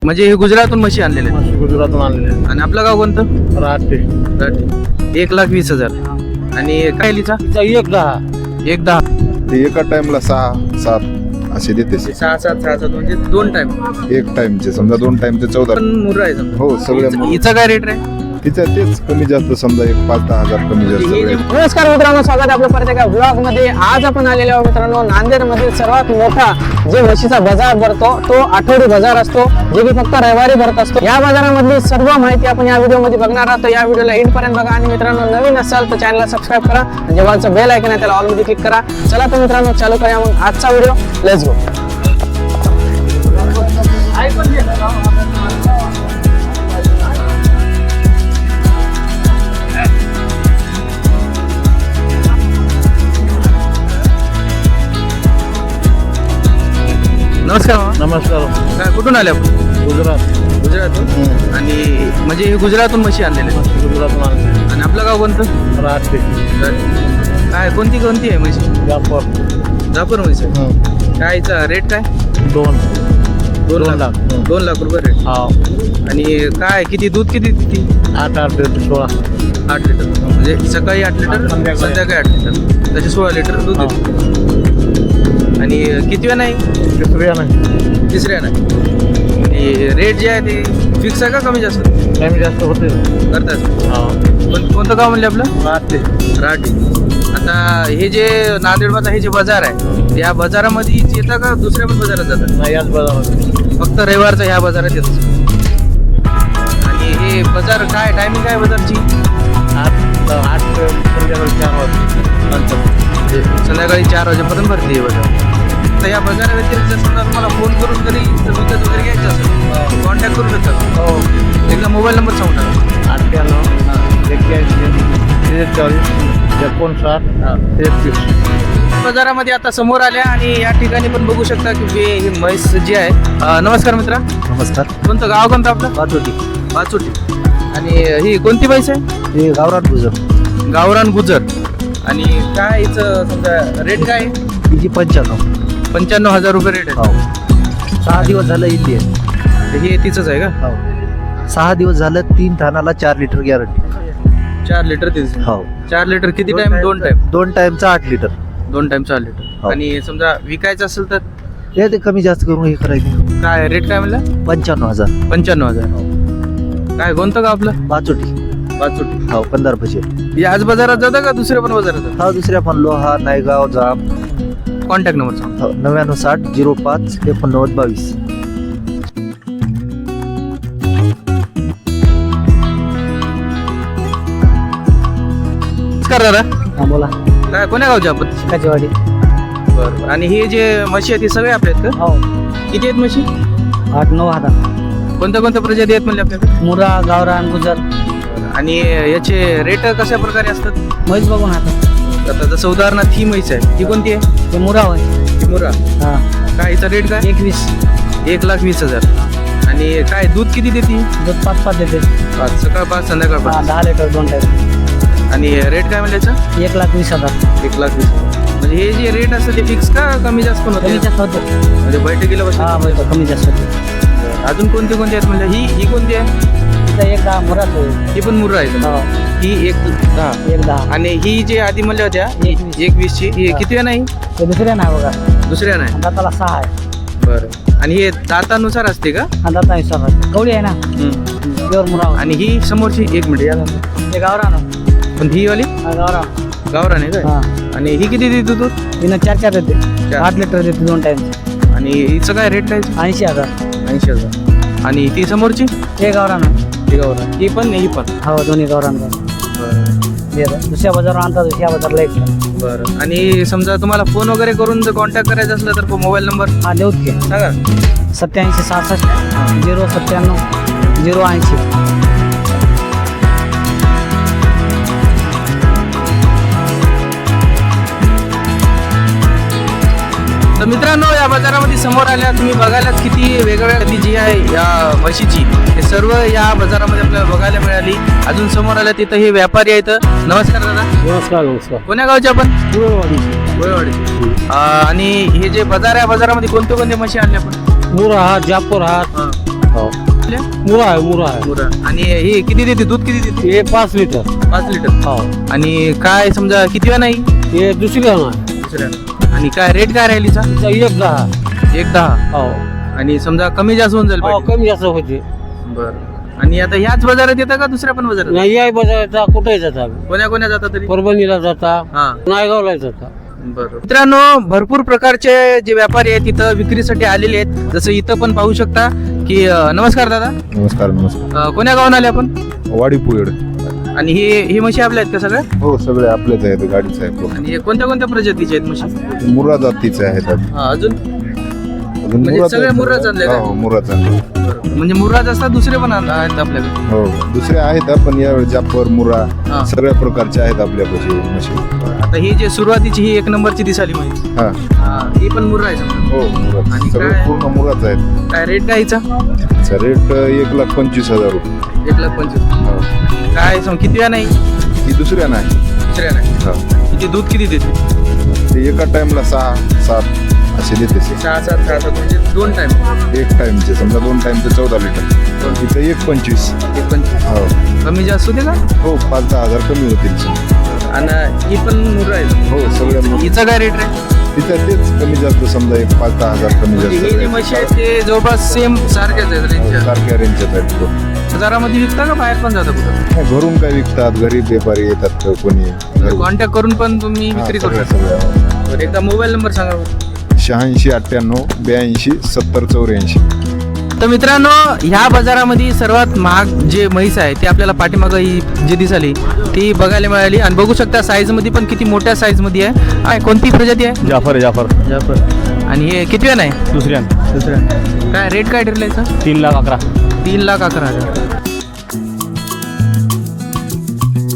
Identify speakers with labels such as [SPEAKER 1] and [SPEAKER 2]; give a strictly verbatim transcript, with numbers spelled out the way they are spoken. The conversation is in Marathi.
[SPEAKER 1] म्हणजे हे गुजरातून म्हशी आणलेले आहेत.
[SPEAKER 2] गुजरातून आणलेले
[SPEAKER 1] आणि आपलं गाव कोणतं?
[SPEAKER 2] राहते
[SPEAKER 1] राठी. एक लाख वीस हजार आणि काय लिचा
[SPEAKER 2] एक दहा
[SPEAKER 1] एक दहा
[SPEAKER 3] ते एका टाइमला सहा सात असे देते
[SPEAKER 1] सहा सात सहा सात म्हणजे दोन टाइम
[SPEAKER 3] एक टाइमचे समजा दोन टाइमचे चौदा
[SPEAKER 1] पण मुर्रा आहे समजा.
[SPEAKER 3] हो सगळ्या
[SPEAKER 1] हिचा-
[SPEAKER 3] मुलं.
[SPEAKER 1] हिचा काय रेट आहे?
[SPEAKER 3] तिच्या तेच कमी जास्त समजा एक पाच दहा हजार कमी जास्त
[SPEAKER 1] हे
[SPEAKER 3] सगळे.
[SPEAKER 1] जे-
[SPEAKER 4] नमस्कार मित्रांनो, स्वागत आहे आपलं परत एका ब्लॉग मध्ये. आज आपण आलेलो आहोत मित्रांनो नांदेड मधील सर्वात मोठा जे म्हशीचा बाजार भरतो तो आठवडी बाजार असतो, जे की फक्त रविवारी भरत असतो. या बाजारामधली सर्व माहिती आपण या व्हिडिओ मध्ये बघणार आहोत. तर या व्हिडिओला एंड पर्यंत बघा आणि मित्रांनो नवीन असाल तर चॅनलला सबस्क्राईब करा आणि जेव्हाचं बेल आयकॉन आहे त्याला ऑल मध्ये क्लिक करा. चला तर मित्रांनो चालू करूया मग आजचा व्हिडिओ. Let's go.
[SPEAKER 1] नमस्कार मामा.
[SPEAKER 2] नमस्कार.
[SPEAKER 1] काय कुठून आले आपण?
[SPEAKER 2] गुजरात
[SPEAKER 1] गुजरातून. आणि म्हणजे हे गुजरातून म्हशी आणलेले आहेत.
[SPEAKER 2] गुजरातून आणले
[SPEAKER 1] आणि आपलं गाव कोणतं?
[SPEAKER 2] राहते
[SPEAKER 1] काय कोणती कोणती आहे म्हशी?
[SPEAKER 2] जापर
[SPEAKER 1] जापर म्हशी आहे. काय हिचा रेट काय?
[SPEAKER 2] दोन
[SPEAKER 1] दोन
[SPEAKER 2] दोन
[SPEAKER 1] लाख
[SPEAKER 2] लाख.
[SPEAKER 1] दोन लाख रुपये रेट.
[SPEAKER 2] हा
[SPEAKER 1] आणि काय किती दूध किती देते?
[SPEAKER 2] आठ आठ ते सोळा
[SPEAKER 1] आठ लिटर म्हणजे सकाळी आठ लिटर
[SPEAKER 2] संध्याकाळी.
[SPEAKER 1] संध्याकाळी आठ लिटर त्याचे सोळा लिटर दूध
[SPEAKER 2] हा.
[SPEAKER 1] देते. आणि किती वेळ नाही?
[SPEAKER 2] तिसऱ्या नाही
[SPEAKER 1] तिसऱ्या नाही. रेट जे आहे ते फिक्स आहे का कमी जास्त
[SPEAKER 2] कमी जास्त होते.
[SPEAKER 1] करतात?
[SPEAKER 2] हा
[SPEAKER 1] पण कोणतं गाव म्हणले आपलं?
[SPEAKER 2] राहते
[SPEAKER 1] राठी. आता हे जे नांदेडमध्ये हे जे बाजार आहे या बाजारामध्ये येतं का दुसऱ्या पण बाजारात जातात?
[SPEAKER 2] नाही याच बाजारात
[SPEAKER 1] फक्त रविवारचं ह्या बाजारात येतं. आणि हे बाजार काय टायमिंग काय बाजारची?
[SPEAKER 2] आठ आठ ते संध्याकाळी चार वाजता नंतर
[SPEAKER 1] म्हणजे संध्याकाळी चार वाजेपर्यंत भरते हे बाजार. तर या बाजारा व्यतिरिक्त समजा तुम्हाला फोन करून जरी विकत वगैरे घ्यायचं असेल कॉन्टॅक्ट करू शकता.
[SPEAKER 2] हो
[SPEAKER 1] एकदा मोबाईल नंबर सांगू टाका.
[SPEAKER 2] अठ्ठ्याण्णव एक्क्याऐंशी त्रेचाळीस एकोणसाठ तेहतीस.
[SPEAKER 1] बाजारामध्ये आता समोर आल्या आणि या ठिकाणी पण बघू शकता की हे ही म्हैस जी आहे. अं, नमस्कार मित्रा.
[SPEAKER 2] नमस्कार.
[SPEAKER 1] कोणतं गाव कोणतं आपलं?
[SPEAKER 2] पाचोटी
[SPEAKER 1] पाचोटी. आणि ही कोणती म्हैस आहे?
[SPEAKER 2] हे गावरान गुजर
[SPEAKER 1] गावरान गुजर. आणि काय हिचं समजा रेट काय आहे?
[SPEAKER 2] तिची पंच्याण्णव.
[SPEAKER 1] पंच्याण्णव हजार रुपये रेट
[SPEAKER 2] हो सहा दिवस झालं इथे
[SPEAKER 1] आहे. हे तिचंच आहे का?
[SPEAKER 2] हो सहा दिवस झालं. तीन थानाला चार लिटर गॅरंटी.
[SPEAKER 1] चार लिटर तिचं.
[SPEAKER 2] हो
[SPEAKER 1] चार लिटर किती टाइम? दोन टाइम.
[SPEAKER 2] दोन टाइमचा आठ लिटर.
[SPEAKER 1] दोन टाइम चार लिटर.
[SPEAKER 2] हो.
[SPEAKER 1] आणि समजा विकायचं असेल तर
[SPEAKER 2] हे ते कमी जास्त करून हे करायचे.
[SPEAKER 1] काय रेट काय म्हणलं?
[SPEAKER 2] पंच्याण्णव हजार.
[SPEAKER 1] पंच्याण्णव हजार. काय कोणतं गाव आपलं?
[SPEAKER 2] पाचोटी.
[SPEAKER 1] पाचोटी.
[SPEAKER 2] हो पंधरा पैसे.
[SPEAKER 1] याच बाजारात जातं का दुसऱ्या पण बाजारात जातं?
[SPEAKER 2] हा दुसऱ्या पण लोहा नायगाव जाम.
[SPEAKER 1] कॉन्टॅक्ट नंबर सांग.
[SPEAKER 2] हो, नव्याण्णव साठ झिरो पाच एकोणनव्वद बावीस.
[SPEAKER 1] नमस्कार दादा.
[SPEAKER 4] हा बोला.
[SPEAKER 1] काय कोण्या गावचे आपण?
[SPEAKER 4] काचेवाडी.
[SPEAKER 1] बरं. आणि हे जे म्हशी आहेत ते सगळे आपले आहेत का?
[SPEAKER 4] हो
[SPEAKER 1] किती आहेत म्हशी?
[SPEAKER 4] आठ नऊ हजार.
[SPEAKER 1] कोणत्या कोणत्या प्रजाती आहेत म्हणजे आपल्याकडे?
[SPEAKER 4] मुरा गावरान गुजर
[SPEAKER 1] आणि याचे रेट कशा प्रकारे असतात?
[SPEAKER 4] म्हैस बघून आता
[SPEAKER 1] आता जसं उदाहरणार्थ ही म्हैस आहे ती कोणती आहे?
[SPEAKER 4] ते मुरा होय.
[SPEAKER 1] ती मुर्रा.
[SPEAKER 4] हा
[SPEAKER 1] काय हिचा रेट काय?
[SPEAKER 4] एकवीस.
[SPEAKER 1] एक लाख वीस हजार. आणि काय दूध किती देते?
[SPEAKER 4] दूध पाच पाच देते.
[SPEAKER 1] पाच सकाळ पाच संध्याकाळ
[SPEAKER 4] हा
[SPEAKER 1] पाच.
[SPEAKER 4] दहा लिटर दोन टाइम.
[SPEAKER 1] आणि रेट काय म्हणजे याचा?
[SPEAKER 4] एक लाख वीस हजार.
[SPEAKER 1] एक लाख वीस हजार. म्हणजे हे जे रेट असतं ते फिक्स का कमी जास्त पण
[SPEAKER 4] कमी
[SPEAKER 1] होते?
[SPEAKER 4] जास्त होते.
[SPEAKER 1] म्हणजे बैठकीला
[SPEAKER 4] हा
[SPEAKER 1] बसले.
[SPEAKER 4] बरोबर कमी जास्त होते.
[SPEAKER 1] अजून कोणते कोणते आहेत म्हणजे ही ही कोणती आहे?
[SPEAKER 4] तिथं एक दहा मुराच होईल.
[SPEAKER 1] ही पण मुर्रा आहे.
[SPEAKER 4] हो
[SPEAKER 1] ही एक दहा.
[SPEAKER 4] एक दहा.
[SPEAKER 1] आणि ही जे आधी म्हणल्या होत्या
[SPEAKER 4] एकवीस.
[SPEAKER 1] एक वीस ची ही
[SPEAKER 4] हा.
[SPEAKER 1] किती नाही?
[SPEAKER 4] ते दुसऱ्या नाही बघा.
[SPEAKER 1] दुसऱ्या नाही.
[SPEAKER 4] दाताला सहा आहे.
[SPEAKER 1] बरं. आणि हे दातानुसार असते का?
[SPEAKER 4] हा दाता हिसाब कवडी आहे ना.
[SPEAKER 1] हम्म.
[SPEAKER 4] प्युअर मुरा होय.
[SPEAKER 1] आणि ही समोरची एक मिनिट या
[SPEAKER 4] ते गावरान हो.
[SPEAKER 1] पण ही वाली
[SPEAKER 4] हा गावरान.
[SPEAKER 1] गावरान आहे काय?
[SPEAKER 4] हा
[SPEAKER 1] आणि ही किती देते दूध?
[SPEAKER 4] तिनं चार चार देते.
[SPEAKER 1] चार.
[SPEAKER 4] आठ लिटर देते दोन टाइम.
[SPEAKER 1] आणि हिचं काय रेट काय?
[SPEAKER 4] ऐंशी हजार.
[SPEAKER 1] ऐंशी हजार. आणि ती समोरची?
[SPEAKER 4] ते गावरान आहे.
[SPEAKER 1] ती गावरान. ही पण ही पण.
[SPEAKER 4] हो दोन्ही गावरान गाव.
[SPEAKER 1] बरं.
[SPEAKER 4] दे दे. दुसऱ्या बाजारावर आणतात दुसऱ्या बाजारला एक.
[SPEAKER 1] बरं. आणि समजा तुम्हाला फोन वगैरे करून जर कॉन्टॅक्ट करायचा असला तर मोबाईल नंबर
[SPEAKER 4] हा देऊत की.
[SPEAKER 1] सांगा.
[SPEAKER 4] सत्याऐंशी सहासष्ट झिरो सत्त्याण्णव झिरो ऐंशी.
[SPEAKER 1] तर मित्रांनो या बाजारामध्ये समोर आल्या तुम्ही बघायलाच किती वेगवेगळ्या जाती जी आहे या म्हशीची हे सर्व या बाजारामध्ये आपल्याला बघायला मिळाली. अजून समोर आल्या तिथं हे व्यापारी आहेत. नमस्कार दादा.
[SPEAKER 2] नमस्कार नमस्कार.
[SPEAKER 1] कोण्या गावचे आपण?
[SPEAKER 2] गुरुवाडी.
[SPEAKER 1] गोयवाडी. आणि हे जे बाजार आहे बाजारामध्ये कोणते कोणते म्हशी आणले आपण?
[SPEAKER 2] मुरा हा जापूर हा हो
[SPEAKER 1] आपल्या?
[SPEAKER 2] मुरा आहे मुरा आहे
[SPEAKER 1] मुरा. आणि हे किती देते दूध किती देते
[SPEAKER 2] हे पाच लिटर
[SPEAKER 1] पाच लिटर
[SPEAKER 2] हो
[SPEAKER 1] आणि काय समजा किती वेळा नाही
[SPEAKER 2] हे दुसरी आहे
[SPEAKER 1] दुसऱ्या आणि काय रेट काय राहिलीचा
[SPEAKER 2] एक दहा
[SPEAKER 1] एक दहा
[SPEAKER 2] हो
[SPEAKER 1] आणि समजा कमी जास्त होऊन जाईल
[SPEAKER 2] हो
[SPEAKER 1] पाहिजे.
[SPEAKER 2] कमी जास्त होते
[SPEAKER 1] बरं आणि आता ह्याच बाजारात येतं का दुसऱ्या पण बाजारात
[SPEAKER 2] नाही या बाजाराचा कुठे जाता
[SPEAKER 1] कोण्या कोण्या जातात तरी
[SPEAKER 2] परभणीला जाता
[SPEAKER 1] हा
[SPEAKER 2] नायगावला जाता
[SPEAKER 1] बरं मित्रांनो भरपूर प्रकारचे जे व्यापारी आहेत तिथं विक्रीसाठी आलेले आहेत जसं इथं पण पाहू शकता की अं, नमस्कार दादा
[SPEAKER 3] नमस्कार नमस्कार
[SPEAKER 1] अं, कोण्या गावाला आले आपण
[SPEAKER 3] वाडी पुयड
[SPEAKER 1] आणि हे हे म्हशी आपल्या आहेत का सगळ्या
[SPEAKER 3] हो सगळे आपलेच आहेत गाडीच आहे
[SPEAKER 1] आणि हे कोणत्या कोणत्या प्रजातीचे आहेत म्हशी
[SPEAKER 3] मुरा जातीचे आहेत
[SPEAKER 1] हा, अजून
[SPEAKER 3] अजून
[SPEAKER 1] म्हणजे
[SPEAKER 3] मुराच
[SPEAKER 1] सगळे
[SPEAKER 3] आहेत.
[SPEAKER 1] मुर्राच आणले का?
[SPEAKER 3] हो मुराच आणले.
[SPEAKER 1] बरं. म्हणजे मुर्राज असतात दुसरे पण आण- आहेत आपल्याकडे
[SPEAKER 3] हो दुसरे आहेत पण यावेळी जाफर मुरा
[SPEAKER 1] हा.
[SPEAKER 3] सगळ्या प्रकारचे आहेत आपल्यापाशी म्हशी
[SPEAKER 1] आता ही जे सुरुवातीची ही एक नंबरची दिसाली म्हैस
[SPEAKER 3] हा
[SPEAKER 1] हा, ही पण मुर्रा आहे समजा.
[SPEAKER 3] हो मुराच
[SPEAKER 1] आणि
[SPEAKER 3] सगळे
[SPEAKER 1] काय?
[SPEAKER 3] पूर्ण मुराच आहेत
[SPEAKER 1] काय रेट काय हिचा
[SPEAKER 3] त्याचा रेट एक लाख पंचवीस हजार रुपये
[SPEAKER 1] एक लाख पंचवीस
[SPEAKER 3] हो.
[SPEAKER 1] काय सम किती वेळा नाही
[SPEAKER 3] ही दुसऱ्या नाही
[SPEAKER 1] दुसऱ्या नाही
[SPEAKER 3] हो.
[SPEAKER 1] किती दूध किती देते
[SPEAKER 3] ते एका टाइमला सहा सात असे देते ते.
[SPEAKER 1] सहा सात सहा सात म्हणजे दोन टाइम
[SPEAKER 3] एक टाइमचे समजा दोन टाइमचे चौदा लिटर इथं एक पंचवीस
[SPEAKER 1] एक पंचवीस
[SPEAKER 3] हो
[SPEAKER 1] कमी जास्त होते का
[SPEAKER 3] हो पाच दहा हजार कमी होतील
[SPEAKER 1] आणि ही पण मुर्रा आहे
[SPEAKER 3] हो सगळ्या मु-
[SPEAKER 1] हिचा काय रेट आहे
[SPEAKER 3] तिथं तेच कमी जास्त समजा एक पाच दहा हजार कमी
[SPEAKER 1] म्हणजे हे जे म्हशी आहेत
[SPEAKER 3] जास्त
[SPEAKER 1] ते जवळपास सेम सारख्याच आहेत रेंजच्या
[SPEAKER 3] सारख्या रेंजच्याच आहेत हो.
[SPEAKER 1] बाजारामध्ये विकता का बाहेर पण जाता कुठं
[SPEAKER 3] नाही, घरून काय विकतात घरी व्यापारी येतात कोणी घरी.
[SPEAKER 1] कॉन्टॅक्ट करून पण तुम्ही
[SPEAKER 3] हा,
[SPEAKER 1] विक्री करू
[SPEAKER 3] सगळ्या-
[SPEAKER 1] शकता
[SPEAKER 3] सगळ्या.
[SPEAKER 1] बरं, एकदा मोबाईल नंबर सांगा बरं.
[SPEAKER 3] शहाऐंशी अठ्ठ्याण्णव ब्याऐंशी सत्तर चौऱ्याऐंशी
[SPEAKER 1] तर मित्रांनो ह्या बाजारामध्ये सर्वात महाग जे म्हैस आहे ते आपल्याला पाठीमागं ही जी दिसाली ती बघायला मिळाली आणि बघू शकता साईज मध्ये पण किती मोठ्या साईज मध्ये आहे काय कोणती प्रजाती आहे
[SPEAKER 2] जाफर जाफर
[SPEAKER 1] जाफर आणि हे किती वेळ आहे
[SPEAKER 2] दुसऱ्या
[SPEAKER 1] दुसऱ्या काय रेट काय ठरलायचा
[SPEAKER 2] तीन लाख अकरा
[SPEAKER 1] तीन लाख अकरा हजार